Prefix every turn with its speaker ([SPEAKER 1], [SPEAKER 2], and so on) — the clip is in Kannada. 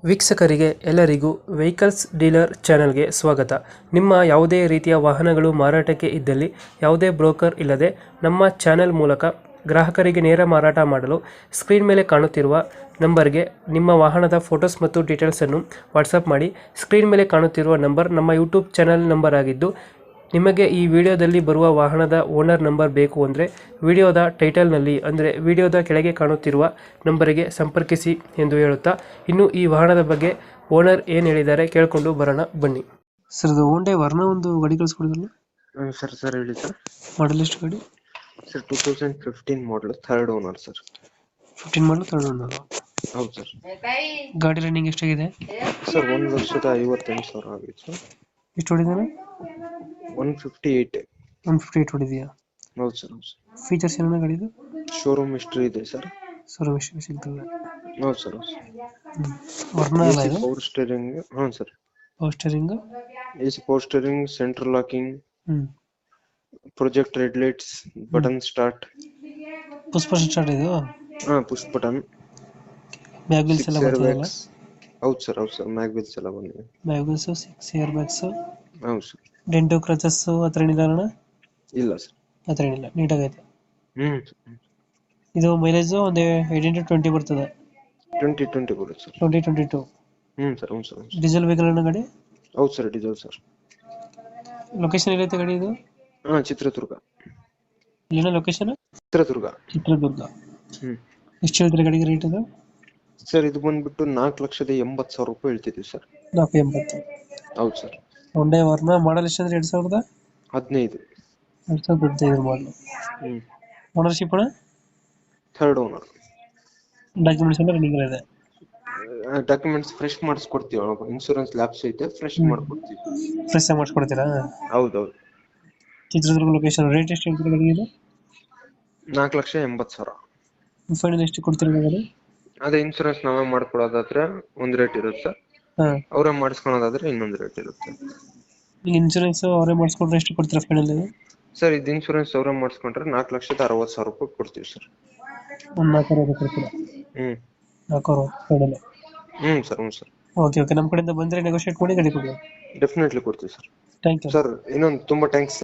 [SPEAKER 1] ವೀಕ್ಷಕರಿಗೆ ಎಲ್ಲರಿಗೂ ವೆಹಿಕಲ್ಸ್ ಡೀಲರ್ ಚಾನೆಲ್ಗೆ ಸ್ವಾಗತ. ನಿಮ್ಮ ಯಾವುದೇ ರೀತಿಯ ವಾಹನಗಳು ಮಾರಾಟಕ್ಕೆ ಇದ್ದಲ್ಲಿ ಯಾವುದೇ ಬ್ರೋಕರ್ ಇಲ್ಲದೆ ನಮ್ಮ ಚಾನೆಲ್ ಮೂಲಕ ಗ್ರಾಹಕರಿಗೆ ನೇರ ಮಾರಾಟ ಮಾಡಲು ಸ್ಕ್ರೀನ್ ಮೇಲೆ ಕಾಣುತ್ತಿರುವ ನಂಬರ್ಗೆ ನಿಮ್ಮ ವಾಹನದ ಫೋಟೋಸ್ ಮತ್ತು ಡೀಟೇಲ್ಸನ್ನು ವಾಟ್ಸಪ್ ಮಾಡಿ. ಸ್ಕ್ರೀನ್ ಮೇಲೆ ಕಾಣುತ್ತಿರುವ ನಂಬರ್ ನಮ್ಮ ಯೂಟ್ಯೂಬ್ ಚಾನೆಲ್ ನಂಬರ್ ಆಗಿದ್ದು, ನಿಮಗೆ ಈ ವಿಡಿಯೋದಲ್ಲಿ ಬರುವ ವಾಹನದ ಓನರ್ ನಂಬರ್ ಬೇಕು ಅಂದರೆ ವಿಡಿಯೋದ ಟೈಟಲ್ನಲ್ಲಿ ಅಂದರೆ ವಿಡಿಯೋದ ಕೆಳಗೆ ಕಾಣುತ್ತಿರುವ ನಂಬರಿಗೆ ಸಂಪರ್ಕಿಸಿ ಎಂದು ಹೇಳುತ್ತಾ, ಇನ್ನು ಈ ವಾಹನದ ಬಗ್ಗೆ ಓನರ್ ಏನು ಹೇಳಿದ್ದಾರೆ ಕೇಳಿಕೊಂಡು ಬರೋಣ ಬನ್ನಿ. ಸರ್, ಇದು ಹೋಂಡಾ ವರ್ನ ಒಂದು ಗಾಡಿ ಕಳಿಸ್ಕೊಡಿದ್ರಲ್ಲ.
[SPEAKER 2] ಸರ್ ಹೇಳಿ ಸರ್.
[SPEAKER 1] ಮಾಡಲ್ ಎಷ್ಟು ಗಾಡಿ?
[SPEAKER 2] Sir 2015 model, third owner sir.
[SPEAKER 1] 15 model third owner.
[SPEAKER 2] ಹೌದು ಸರ್.
[SPEAKER 1] ಗಾಡಿ ರನ್ನಿಂಗ್ ಎಷ್ಟಾಗಿದೆ?
[SPEAKER 2] ಸರ್ 1,58,000 ಆಗಿತ್ತು ಸರ್.
[SPEAKER 1] ಎಷ್ಟು ಹೊಡಿದಾನೆ?
[SPEAKER 2] 158.
[SPEAKER 1] 158 ಹೊಡಿದೆಯಾ?
[SPEAKER 2] ಹೌದು ಸರ್. ಹೌದು ಸರ್.
[SPEAKER 1] ಫೀಚರ್ಸ್ ಏನೇನು ಗಾಡಿದು?
[SPEAKER 2] ಶೋರೂಮ್ ಹಿಸ್ಟ್ರಿ ಇದೆ ಸರ್.
[SPEAKER 1] ಶೋರೂಮ್ ಹಿಸ್ಟ್ರಿ ಸಿಗ್ತದೆ.
[SPEAKER 2] ಹೌದು ಸರ್. ಹೌದು ಸರ್.
[SPEAKER 1] ವರ್ನ ಅಲ್ಲ ಇದು?
[SPEAKER 2] Power steering. ಹಾಂ sir.
[SPEAKER 1] Power steering,
[SPEAKER 2] AC power steering, central locking, projector lights, button start.
[SPEAKER 1] Push button start ಇದು?
[SPEAKER 2] ಹಾಂ, ಪುಷ್ ಬಟನ್.
[SPEAKER 1] ಬ್ಯಾಗ್ ವೀಲ್ಸ್ ಎಲ್ಲ ಬರ್ತದಲ್ಲ?
[SPEAKER 2] ಹೌದು ಸರ್. ಹೌದು ಸರ್. ಮ್ಯಾಗ್ ವೀಲ್ಸ್ ಎಲ್ಲ ಬಂದಿದೆ.
[SPEAKER 1] Bag wheels, 6 air bags.
[SPEAKER 2] ಹೌದು ಸರ್.
[SPEAKER 1] ಡೆಂಟು ಕ್ರಚಸ್ ಹತ್ರ ಏನಿಲ್ಲ ಅಣ್ಣ?
[SPEAKER 2] ಇಲ್ಲ ಸರ್.
[SPEAKER 1] ಹತ್ರ ಏನಿಲ್ಲ, ನೀಟಾಗೈತೆ.
[SPEAKER 2] ಹ್ಮ್.
[SPEAKER 1] ಇದು ಮೈಲೇಜ್ ಒಂದು 18 to 20 ಬರ್ತದೆ.
[SPEAKER 2] 20 ಬರುತ್ತೆ ಸರ್.
[SPEAKER 1] 20-22.
[SPEAKER 2] ಸರ್. ಹೌದು ಸರ್.
[SPEAKER 1] ಡೀಸೆಲ್ ವೆಹಿಕಲ್ ಅಣ್ಣ ಗಾಡಿ?
[SPEAKER 2] ಹೌದು ಸರ್. Diesel sir.
[SPEAKER 1] ಲೊಕೇಶನ್ ಎಲ್ಲೈತೆ ಗಾಡಿ ಇದು?
[SPEAKER 2] ಚಿತ್ರದುರ್ಗ.
[SPEAKER 1] ಇಲ್ಲಿನ ಲೊಕೇಶನ್? ಚಿತ್ರದುರ್ಗ. ಎಷ್ಟು ಹೇಳ್ತೀರಾ ಗಾಡಿಗೆ ರೇಟ್ ಇದು?
[SPEAKER 2] ಸರ್, ಇದು ಬಂದ್ಬಿಟ್ಟು 4,80,000 ರೂಪಾಯಿ ಹೇಳ್ತಿದ್ದೀವಿ ಸರ್.
[SPEAKER 1] 480.
[SPEAKER 2] ಹೌದು ಸರ್.
[SPEAKER 1] ಹೋಂಡಾ ವರ್ನ ಮಾಡಲ್ ಎಷ್ಟು ಅಂದ್ರೆ
[SPEAKER 2] 15.
[SPEAKER 1] 2015 ಮಾಡಲ್. ಓನರ್ಶಿಪ್ ಅಣ್ಣ?
[SPEAKER 2] Third owner.
[SPEAKER 1] ಡಾಕ್ಯುಮೆಂಟ್ಸ್ ಎಲ್ಲ ರನ್ನಿಂಗ್ ಇದೆ?
[SPEAKER 2] ಡಾಕ್ಯುಮೆಂಟ್ಸ್ ಫ್ರೆಶ್ ಮಾಡಿಸ್ಕೊಡ್ತೀವಿ. ಇನ್ಶೂರೆನ್ಸ್ ಲ್ಯಾಪ್ಸ್ ಐತೆ, ಫ್ರೆಶ್ ಮಾಡ್ಕೊಡ್ತೀವಿ.
[SPEAKER 1] ಫ್ರೆಶ್ ಆಗಿ ಮಾಡಿಸ್ಕೊಡ್ತೀರಾ?
[SPEAKER 2] ಹೌದೌದು.
[SPEAKER 1] ಚಿತ್ರದುರ್ಗ ಲೊಕೇಶನ್. ರೇಟ್ ಎಷ್ಟು ಹೇಳ್ತೀರಾ ಗಾಡಿಗೆ?
[SPEAKER 2] 4,80,000.
[SPEAKER 1] ಫೈನಲ್ ಎಷ್ಟು ಕೊಡ್ತೀರಾ ಗಾಡಿ?
[SPEAKER 2] ಅದೇ ಇನ್ಶೂರೆನ್ಸ್ ನಾವೇ ಮಾಡ್ಕೊಡೋದಾದ್ರೆ ಒಂದು ರೇಟ್ ಇರುತ್ತೆ, ಅವರೇ ಮಾಡಿಸ್ಕೊಳೋದಾದ್ರೆ ಇನ್ನೊಂದು ರೇಟ್ ಇರುತ್ತೆ.
[SPEAKER 1] ಇನ್ಶೂರೆನ್ಸ್ ಅವರೇ ಮಾಡಿಸ್ಕೊಂಡ್ರೆ ಎಷ್ಟು ಕೊಡ್ತೀರಾ ಫೈನಲ್?
[SPEAKER 2] ಸರ್, ಇದು ಇನ್ಶೂರೆನ್ಸ್ ಅವರೇ ಮಾಡಿಸ್ಕೊಂಡ್ರೆ 4,60,000 ರೂಪಾಯಿ ಕೊಡ್ತೀವಿ ಸರ್.
[SPEAKER 1] ಒಂದು 4,60,000 ಕೊಡ್ತೀರಾ? 4,60,000 ಫೈನಲ್.
[SPEAKER 2] ಸರ್. ಹ್ಞೂ ಸರ್.
[SPEAKER 1] ಓಕೆ. ನಮ್ಮ ಕಡೆಯಿಂದ ಬಂದರೆ ನೆಗೋಷಿಯೇಟ್ ಮಾಡಿ ಗಾಡಿ ಕೊಡಿ.
[SPEAKER 2] ಡೆಫಿನೆಟ್ಲಿ ಕೊಡ್ತೀವಿ ಸರ್.
[SPEAKER 1] Thank you
[SPEAKER 2] sir. ಇನ್ನೊಂದು ತುಂಬಾ ಥ್ಯಾಂಕ್ಸ್.